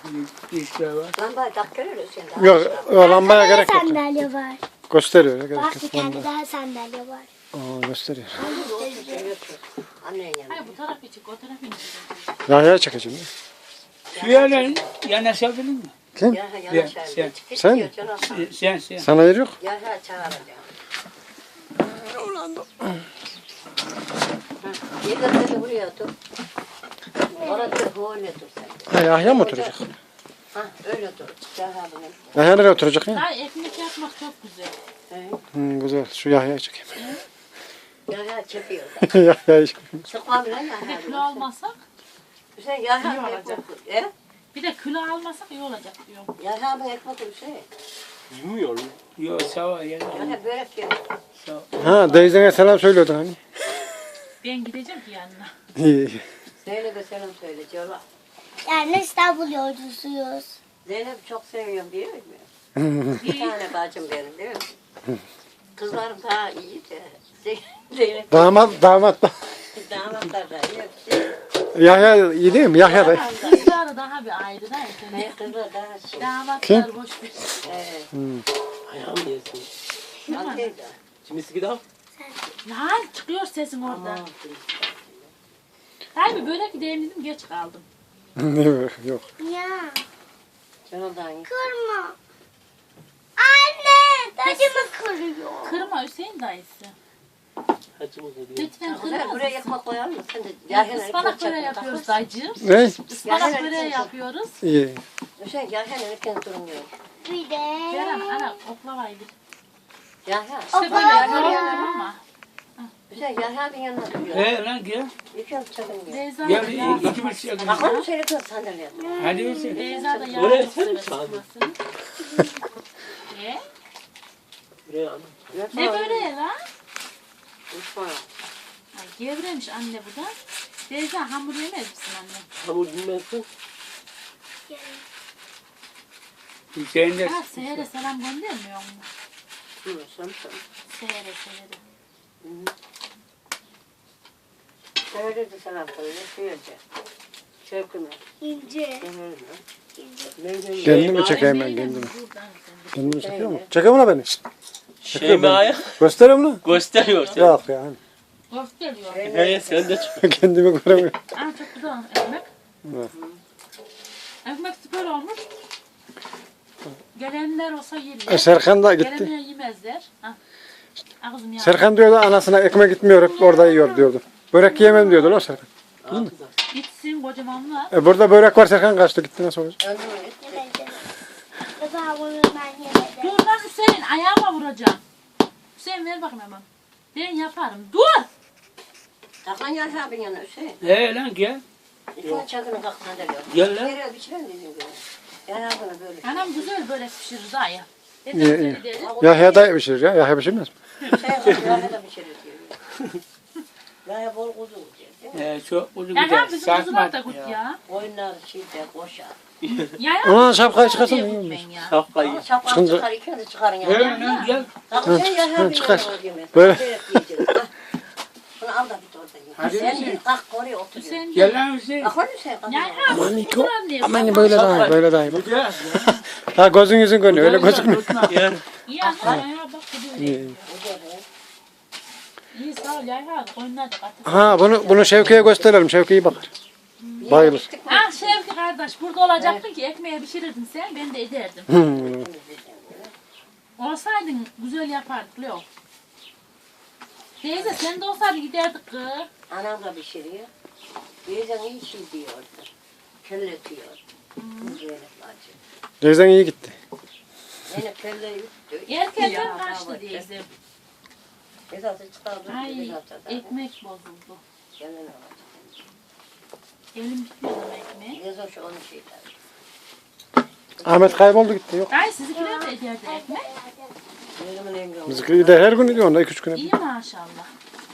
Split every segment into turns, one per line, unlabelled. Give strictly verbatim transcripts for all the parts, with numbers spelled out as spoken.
İşte var.
Lambayı tak görürüz sen.
Yok, o lambaya gerek yok.
Sandalye var.
Gösteriyor ya, gerek
Bak
yok.
bir tane daha sandalye var.
Aa, gösteriyor.
Annen yanında.
Hayır bu taraf için, o taraf için.
Yahya'ya çekeceğim ya.
Şu yerden yanaşabilir mi?
Kim?
Ya
Sen-
yanaşar.
sen mi?
Sen sen.
Sana yer yok.
Ya çağıracağım. Yedi dedi buraya otur. Orada öyle dur sen.
Ha, Yahya mı oturacak?
Ha öyle dur. Yahya bunu.
Yahya nereye oturacak ya?
Daha ekmek yapmak çok güzel.
Hmm, güzel. Şu Yahya'yı çekeyim.
Yahya çekiyor.
Yahya'yı çekeyim.
Sıkma bile
Bir de
Yahya.
kilo almasak,
Sen
İyi
Yahya
olacak.
ekmek. E?
bir de kilo almasak iyi olacak diyorum.
Yahya bu ekmek bir şey.
Yumuyor. Yok sağ ol. Ya.
Yahya börek yiyor.
Sağ ol.
Ha, Deyzen'e selam söylüyordun hani.
Ben gideceğim ki yanına.
İyi.
Zeynep'e selam söyle Cola.
Yani İstanbul yolcusuyuz.
Zeynep çok seviyorum değil mi? Bir tane bacım benim değil mi? Kızlarım daha iyi de. Zeynep
Damat, damat da.
damatlar da iyi.
Yahya iyi değil mi? Yahya da.
Kızlar daha bir ayrı da
Ne
yetenek.
kızlar daha şey.
Damatlar boş bir
Evet.
Ayağım yesin.
Anteydi.
Kimisi gidelim.
Lan çıkıyor sesin orada. Hayır börek gideyim dedim geç kaldım.
Yok.
Ya
Canımdan iyi.
kırma. Anne tacımı kırıyor.
Kırma Hüseyin dayısı.
Hacımız ne diyor?
Lütfen
Kızlar
kırmaz
buraya
mısın?
ekmek koyar mısın? Yahya
Ispanak böreği yapıyoruz dayıcığım.
Ne?
Ispanak böreği yapıyoruz.
İyi.
Hüseyin Yahya erken durmuyor.
Bir de.
Kerem ana oklavayı bir.
Yahya.
İşte böyle
Oklava
yapıyorum ama.
Hüseyin Yahya bir yanına duruyor.
He lan gel.
Yıkıyorum çakın diyor.
Beyza
Gel
da yağ
iki bir şey yakın.
Bakar mı söyle kız sandalyeye?
Hadi versin.
Beyza da yağ
Oraya
çok
sen mi
sever
çağırdın?
ısıtmasını. Ne?
Buraya anne.
Ne böyle lan?
Mutfağa.
Ay gevremiş anne bu da. Beyza hamur yemez misin anne?
Hamur bilmezsin.
Hüseyin de
Ha Seher'e selam göndermiyor mu?
Hı, sen sen.
Seher'e Seher'e.
Söyle de selam söyle. Söyle. Şevkime.
İnce.
Mevlüt'e.
Kendimi çekeyim ben kendimi.
Buradan sen.
Kendimi çekiyor mu? Çekiyor mu lan beni?
Şeyma'ya
Gösteriyor mu?
gösteriyor. Sen.
Yok yani.
Gösteriyor.
He sen de çık.
Kendimi göremiyorum.
Aa çok güzel ekmek.
Evet.
Ekmek süper olmuş. Gelenler olsa
E,
yerler.
Serkan da gitti.
Gelenler yemezler. Ha. Ağzım yandı.
Serkan diyordu anasına ekmek gitmiyor hep orada yiyor diyordu. Börek yiyemem diyordu lan Serkan.
Gitsin kocamanlar.
E burada börek var Serkan kaçtı gitti nasıl olacak?
Baba bunu ben yemedim.
Dur lan Hüseyin ayağıma vuracağım. Hüseyin ver bakayım hemen. Ben yaparım. Dur.
Kalkan Yahya bir yana Hüseyin.
He lan gel.
İkine çakını kalk sandalyeye.
Gel lan.
Nereye biçilen dedim böyle. Yahya bunu böyle.
Anam güzel böyle pişirir dayı.
İyi,
Dedem
iyi.
seni dedi.
Yahya da pişirir ya. Yahya pişirmez mi?
Şey var, Yahya da biçilir diyor. Yahya bol kuzu diyor.
He çok uzun
Ya
gider.
ya bizim kuzular da
Sakma.
kut ya.
Oyunlar şeyde koşar.
Ya ya.
Ulan şapkayı çıkarsana,
Diye
iyi
kut
olmuş.
ben ya.
Şapkayı.
Ama şapka
Çıkınca-
çıkar, ikini de çıkarın
He
yani.
lan gel.
Kalk sen Yahya bir
çıkar.
yana diyeyim.
Böyle.
Börek yiyeceğiz. Ah. Bunu al da git orada ye.
Hadi
Sen
Hüseyin.
git kalk oraya otur. ye.
Hüseyin
Gel lan Hüseyin.
Kalk oraya Hüseyin. kalk
Ya
oraya.
ya.
Aman Niko.
kuzular diye
Aman
sakın.
böyle daha iyi, böyle daha iyi. Bak.
Gel.
Ha gözün yüzün görünüyor öyle gözükmüyor.
Yani
Ya ya ya bak gidiyor.
İyi.
İyi sağ ol ya ya. Oyunlar da katıl.
Ha bunu bunu Şevki'ye gösterelim. Şevki iyi bakar. Bayılır.
Ah Şevki kardeş burada olacaktın ki ekmeğe pişirirdin sen ben de ederdim.
Hmm.
Olsaydın güzel yapardık Leo. Teyze sen de olsaydın giderdik kız.
Anam da pişiriyor. Bazen iyi şey diyordu. Kelletiyor. Böyle bacı.
Deyzen iyi gitti.
Yine kelle yuttu.
Erkenden kaçtı teyze.
Esası çıkardı.
Ay
esası da.
ekmek bozuldu.
Gelin alacak.
Elim bitmiyor ama ekmeğe.
Yazın şu onu şeyler.
Ahmet kayboldu gitti yok.
Ay sizinkiler de ederdi ekmek.
Benim emrim.
Bizimki de her gün gidiyor onda iki üç güne.
İyi maşallah.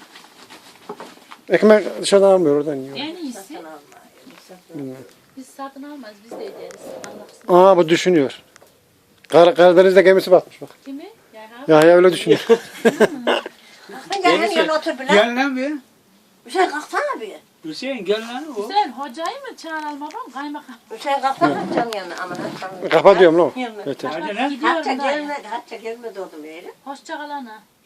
Ekmek dışarıdan almıyor oradan yiyor.
En iyisi
Satın alma. Satın
biz satın almaz biz de ederiz. Allah'sın.
Aa bu düşünüyor. Kar Karadeniz'de gemisi batmış bak.
Kimi? Ya
Yahya öyle düşünüyor.
Kalkın gel hem yana otur bile.
Gel lan bir.
Bir şey kalksana bir.
Hüseyin gel lan o.
Sen hocayı mı çağıralım babam? Kaymakam.
Hüseyin kalksana canın yanına. Aman hadi.
Kapatıyorum lan.
Yanına.
Yeter.
Hadi lan.
Hatta
Gidiyorum dayı.
gelmedi, hatta gelmedi oğlum öyle.
Hoşça kal ana.